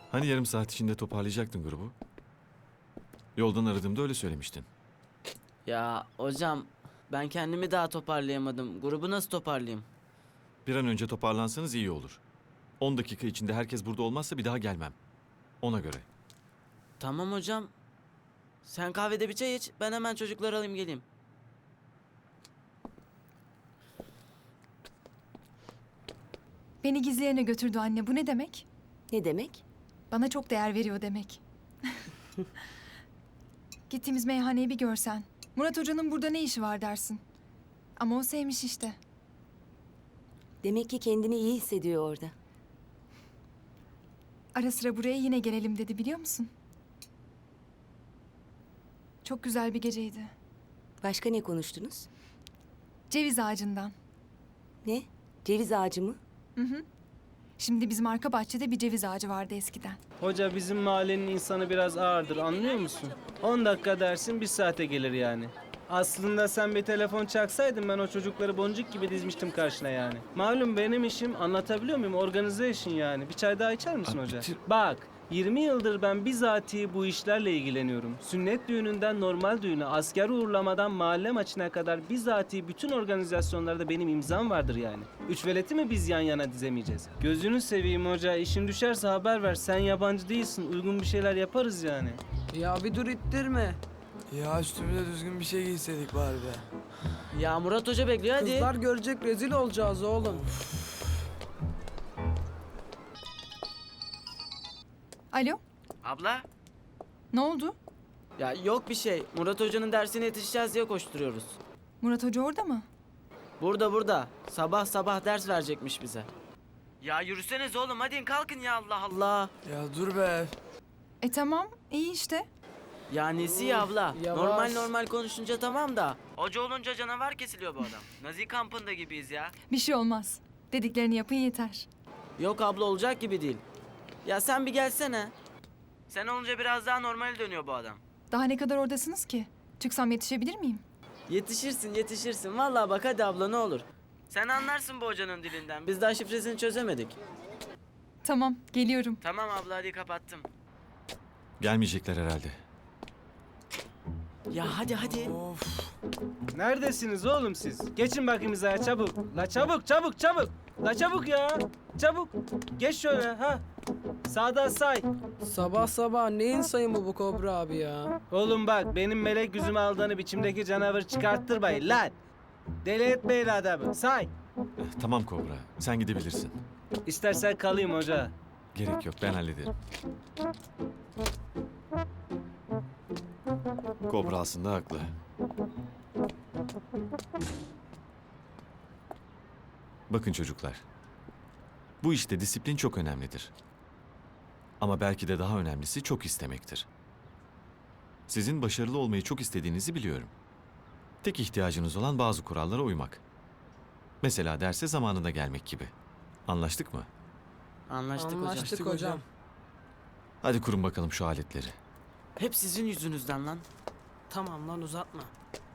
Hani yarım saat içinde toparlayacaktın grubu? Yoldan aradığımda öyle söylemiştin. Ya hocam ben kendimi daha toparlayamadım. Grubu nasıl toparlayayım? Bir an önce toparlansanız iyi olur. 10 dakika içinde herkes burada olmazsa bir daha gelmem. Ona göre. Tamam hocam. Sen kahvede bir çay iç. Ben hemen çocukları alayım geleyim. Beni gizleyene götürdü anne. Bu ne demek? Ne demek? Bana çok değer veriyor demek. Gittiğimiz meyhaneyi bir görsen. Murat Hoca'nın burada ne işi var dersin. Ama o sevmiş işte. Demek ki kendini iyi hissediyor orada. Ara sıra buraya yine gelelim dedi biliyor musun? Çok güzel bir geceydi. Başka ne konuştunuz? Ceviz ağacından. Ne? Ceviz ağacı mı? Şimdi bizim arka bahçede bir ceviz ağacı vardı eskiden. Hoca bizim mahallenin insanı biraz ağırdır anlıyor musun? 10 dakika dersin 1 saate gelir yani. Aslında sen bir telefon çaksaydın ben o çocukları boncuk gibi dizmiştim karşına yani. Malum benim işim anlatabiliyor muyum? Organize işin yani. Bir çay daha içer misin Abi hoca? bitir. Bak 20 yıldır ben bizatihi bu işlerle ilgileniyorum. Sünnet düğününden normal düğüne, asker uğurlamadan mahalle maçına kadar bizatihi bütün organizasyonlarda benim imzam vardır yani. Üç veleti mi biz yan yana dizemeyeceğiz? Gözünü seveyim hoca, işin düşerse haber ver. Sen yabancı değilsin, uygun bir şeyler yaparız yani. Ya bir dur ittirme. Ya üstümüze düzgün bir şey giyseydik bari be. Ya Murat Hoca bekliyor hadi. Kızlar görecek rezil olacağız oğlum. Alo? Abla? Ne oldu? Ya yok bir şey. Murat Hoca'nın dersine yetişeceğiz diye koşturuyoruz. Murat Hoca orada mı? Burada. Sabah sabah ders verecekmiş bize. Ya yürüseniz oğlum hadi kalkın ya Allah Allah. Ya dur be. Tamam iyi işte. Ya nesi ya abla? Yavaş. Normal konuşunca tamam da. Hoca olunca canavar kesiliyor bu adam. Nazi kampında gibiyiz ya. Bir şey olmaz. Dediklerini yapın yeter. Yok abla olacak gibi değil. Ya sen bir gelsene. Sen olunca biraz daha normal dönüyor bu adam. Daha ne kadar oradasınız ki? Çıksam yetişebilir miyim? Yetişirsin. Vallahi bak hadi abla ne olur. Sen anlarsın bu hocanın dilinden. Biz daha şifresini çözemedik. Tamam geliyorum. Tamam abla hadi kapattım. Gelmeyecekler herhalde. Ya hadi. Of. Neredesiniz oğlum siz? Geçin bakayım hizaya çabuk. La çabuk. La çabuk ya. Çabuk. Geç şöyle ha. Sağdan say. Sabah sabah neyin sayımı bu Kobra abi ya? Oğlum bak benim melek yüzüme aldığını biçimdeki canavarı çıkarttırmayın lan. Deli etmeyin adamı. Say. Tamam Kobra, sen gidebilirsin. İstersen kalayım hoca. Gerek yok, ben hallederim. Kobra aslında haklı. Bakın çocuklar. Bu işte disiplin çok önemlidir. Ama belki de daha önemlisi çok istemektir. Sizin başarılı olmayı çok istediğinizi biliyorum. Tek ihtiyacınız olan bazı kurallara uymak. Mesela derse zamanında gelmek gibi. Anlaştık mı? Anlaştık hocam. Anlaştık hocam. Hadi kurun bakalım şu aletleri. Hep sizin yüzünüzden lan. Tamam lan uzatma.